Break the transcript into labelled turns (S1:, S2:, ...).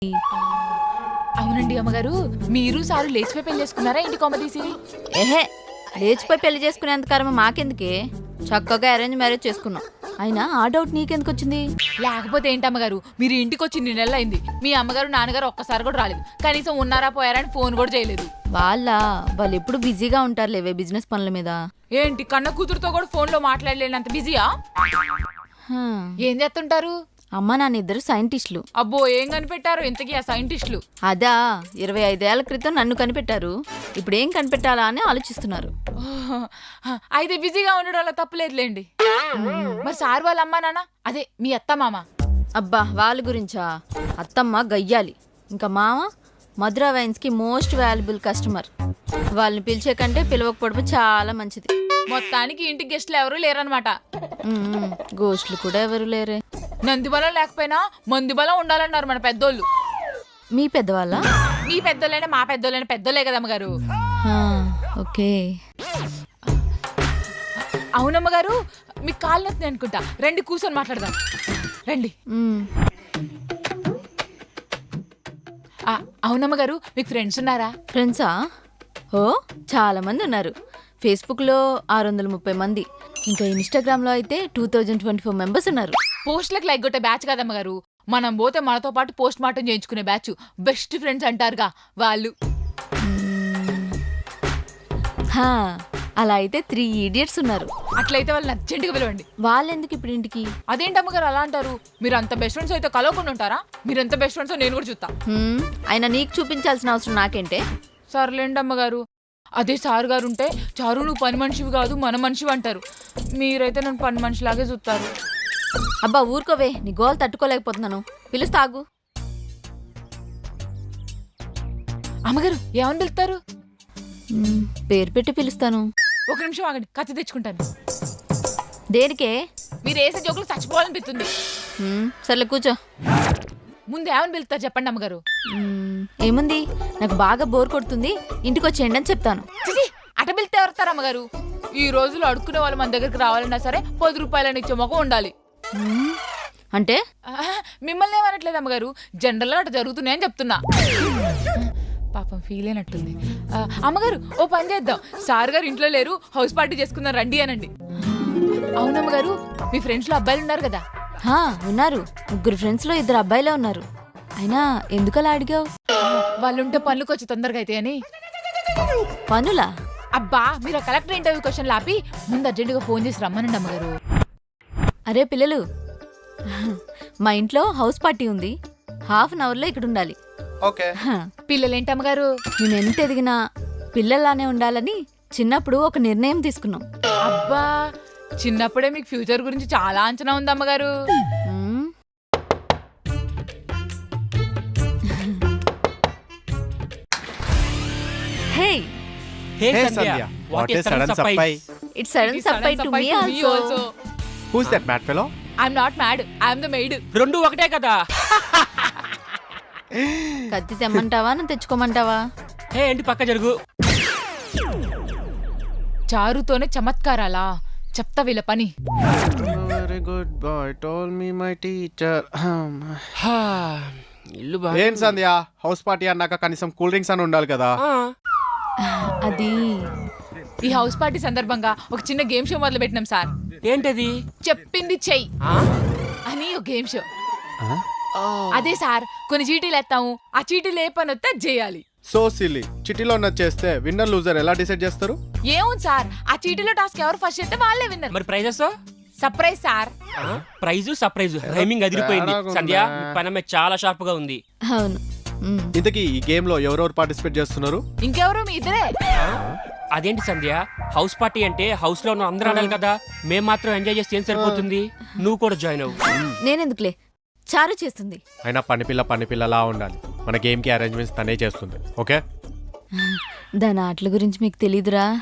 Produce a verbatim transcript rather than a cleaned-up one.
S1: అవునండి అమ్మగారు, మీరు సారు లేచిపోయి పెళ్లి చేసుకున్నారా ఇంటి కొమ్మ తీసి?
S2: ఏహే, లేచిపోయి పెళ్లి చేసుకునేంత కర్మ మాకెందుకే, చక్కగా అరేంజ్ మ్యారేజ్ చేసుకున్నాం. అయినా ఆ డౌట్ నీకెందుకు వచ్చింది?
S1: లేకపోతే ఏంటి అమ్మగారు, మీరు ఇంటికి వచ్చి ఇన్ని నెలలు అయింది, మీ అమ్మగారు నాన్నగారు ఒక్కసారి కూడా రాలేదు, కనీసం ఉన్నారా పోయారా అని ఫోన్ కూడా చేయలేదు.
S2: వాళ్ళ వాళ్ళు ఎప్పుడు బిజీగా ఉంటారు లేవే బిజినెస్ పనుల మీద.
S1: ఏంటి కన్న కూతురుతో కూడా ఫోన్ లో మాట్లాడలేనంత బిజీయా?
S2: హ్మ్.
S1: ఏం చేస్తుంటారు?
S2: అమ్మ నాన్న ఇద్దరు సైంటిస్టులు.
S1: అబ్బో, ఏం కనిపెట్టారు ఇంతకీ ఆ సైంటిస్టులు?
S2: అదా ఇరవై ఐదేళ్ల క్రితం నన్ను కనిపెట్టారు. ఇప్పుడు ఏం కనిపెట్టాలా అని ఆలోచిస్తున్నారు.
S1: అయితే బిజీగా ఉండడం వల్ల తప్పులేదులేండి. మరి సార్ వాళ్ళ అమ్మా నాన్న, అదే మీ అత్త మామ?
S2: అబ్బా, వాళ్ళ గురించా? అత్తమ్మ గయ్యాలి, ఇంకా మామ మధురా వైన్స్ కి మోస్ట్ వాల్యుబుల్ కస్టమర్. వాళ్ళని పిలిచే కంటే పిలవకపోవడం చాలా మంచిది.
S1: మొత్తానికి ఇంటికి గెస్ట్లు ఎవరూ లేరనమాట.
S2: గోస్ట్లు కూడా ఎవరు లేరే.
S1: నంది బలం లేకపోయినా మంది బలం ఉండాలన్నారు మన పెద్దోళ్ళు.
S2: మీ పెద్దవాళ్ళ?
S1: మీ పెద్దోళ్ళైనా మా పెద్దోళ్ళైనా పెద్దోళ్ళే కదమ్మగారు.
S2: ఓకే.
S1: అవునమ్మగారు, మీకు కాళ్ళు నొత్తి అనుకుంటా, రండి కూర్చొని మాట్లాడదాం రండి. అవునమ్మగారు, మీకు ఫ్రెండ్స్ ఉన్నారా?
S2: ఫ్రెండ్సా? ఓ చాలా మంది ఉన్నారు. ఫేస్బుక్లో ఆరు వందల ముప్పై మంది, ఇంకా ఇన్స్టాగ్రామ్లో అయితే two thousand twenty four members ఉన్నారు.
S1: పోస్ట్లకు లైక్ కొట్టే బ్యాచ్ కదమ్మగారు, మనం పోతే మనతో పాటు పోస్ట్ మార్టం చేయించుకునే బ్యాచ్, బెస్ట్ ఫ్రెండ్స్ అంటారుగా వాళ్ళు.
S2: హా, అలా అయితే త్రీ ఇడియట్స్ ఉన్నారు.
S1: అట్లయితే వాళ్ళని అర్జెంటుగా పిలవండి.
S2: వాళ్ళెందుకు ఇప్పుడు ఇంటికి?
S1: అదేంటమ్మగారు అలా అంటారు? మీరు అంత బెస్ట్ ఫ్రెండ్స్ అయితే కలవకుండా ఉంటారా? మీరు ఎంత బెస్ట్ ఫ్రెండ్స్ నేను కూడా చూస్తా.
S2: అయినా నీకు చూపించాల్సిన అవసరం నాకేంటే?
S1: సర్లేండి అమ్మగారు. అదే సార్ గారు ఉంటే, చారు నువ్వు పని మనిషివి కాదు మన మనిషివి అంటారు. మీరైతే నన్ను పని మనిషిలాగే చూస్తారు.
S2: అబ్బా ఊరుకోవే, నీ గోల్ తట్టుకోలేకపోతున్నాను. పిలుస్తాగు.
S1: అమ్మగారు ఏమని పిలుస్తారు?
S2: పేరు పెట్టి పిలుస్తాను.
S1: ఒక నిమిషం ఆగండి, కత్తి తెచ్చుకుంటాను.
S2: దేనికే?
S1: మీరు వేసే జోకులు చచ్చిపోవాలనిపిస్తుంది.
S2: సర్లే కూర్చో.
S1: ముందు ఏమని పిలుస్తారు చెప్పండి అమ్మగారు.
S2: ఏముంది, నాకు బాగా బోర్ కొడుతుంది, ఇంటికి వచ్చేయండి అని చెప్తాను.
S1: అట పిలితే ఎవరుతారు అమ్మగారు? ఈ రోజులు అడుక్కునే వాళ్ళు మన దగ్గరికి రావాలన్నా సరే పది రూపాయలని ఇచ్చే మొక్క ఉండాలి.
S2: అంటే
S1: మిమ్మల్ని ఏమనట్లేదు అమ్మగారు, జనరల్గా అటు జరుగుతున్నాయని చెప్తున్నా. పాపం ఫీల్ అయినట్టుంది. అమ్మగారు ఓ పని చేద్దాం, సార్ గారు ఇంట్లో లేరు, హౌస్ పార్టీ చేసుకుందాం రండి అనండి. అవునమ్మగారు, మీ ఫ్రెండ్స్ లో అబ్బాయిలు ఉన్నారు కదా?
S2: ఉన్నారు, ముగ్గురు ఫ్రెండ్స్ లో ఇద్దరు అబ్బాయిలే ఉన్నారు. అయినా ఎందుకలా అడిగావు?
S1: వాళ్ళుంటే పనులకు వచ్చి తొందరగా అయితే అని.
S2: పనులా?
S1: అబ్బా, మీరు ఆ కలెక్టర్ ఇంటర్వ్యూ క్వశ్చన్ ఆపి ముందు అర్జెంటుగా ఫోన్ చేసి రమ్మనండి అమ్మగారు.
S2: అరే పిల్లలు, మా ఇంట్లో హౌస్ పార్టీ ఉంది, హాఫ్ అన్ అవర్ లో ఇక్కడ ఉండాలి.
S1: పిల్లలేంటి అమ్మగారు?
S2: నేను ఎంత ఎదిగినా పిల్లలానే ఉండాలని చిన్నప్పుడు ఒక నిర్ణయం తీసుకున్నాం.
S1: అబ్బా, చిన్నప్పుడే మీకు ఫ్యూచర్ గురించి చాలా అంచనా ఉంది అమ్మగారు.
S2: Hey.
S3: Hey, hey Sandhya, what, what a sudden surprise.
S2: It's sudden surprise to me also. also.
S3: Who's that mad fellow?
S1: I'm not mad, I'm the maid.
S4: రెండు ఒకటే కదా.
S2: కత్తి తెమ్మంటావా నువ్వు తెచ్చుకోమంటావా?
S4: హే ఏంటి పక్క జరుగు.
S1: చారుతోనే చమత్కారాలా? చెప్తా వీళ్ళ పని.
S3: Very good boy told me my teacher.
S4: ఇల్లు బాగా.
S3: ఏం సంధ్య, హౌస్ పార్టీ అన్నాక కనీసం కూల్ డ్రింక్స్ అని ఉండాలి కదా.
S2: అది
S1: ఈ హౌస్ పార్టీ సందర్భంగా ఒక చిన్న గేమ్ షో మొదలు పెట్టినాం సార్.
S4: ఏంటది?
S1: చెప్పింది చెయ్యి అని ఒక గేమ్ షో. అదే సార్, కొన్ని చీటీలు ఎత్తాము, ఆ చీటీలు ఏ పని వస్తే చేయాలి.
S3: సో సిల్లీ, చిటీలో చేస్తే విన్నర్ లూజర్ ఎలా డిసైడ్ చేస్తారు?
S1: ఏముంది సార్, ఆ చీటీలో టాస్క్ ఎవరు ఫస్ట్ చేస్తే వాళ్ళే విన్నర్.
S4: మరి prizes?
S1: Surprise sir.
S4: Prize surprise rhyming అదిరిపోయింది. సంధ్య పనమే చాలా షార్ప్ గా ఉంది.
S2: అవును.
S3: ఇంతకీ ఈ గేమ్ లో ఎవరెవరు పార్టిసిపేట్ చేస్తున్నారు?
S1: ఇంకెవరు, మీ ఇద్దరే.
S4: అదేంటి సంధ్య, హౌస్ పార్టీ అంటే హౌస్ లో ఉన్న అందరూ ఆడాలి కదా, మేం మాత్రం ఎంజాయ్ చేస్తే ఏం సరిపోతుంది? నువ్వు కూడా జాయిన్ అవ్వు.
S2: నేనెందుకులే, చారు చేస్తుంది.
S3: అయినా పని పిల్ల పని పిల్లలా ఉండాలి. మన గేమ్ కి అరేంజ్మెంట్స్ తనే చేస్తుంది. ఓకే,
S2: దాని ఆటల గురించి మీకు తెలీదురా.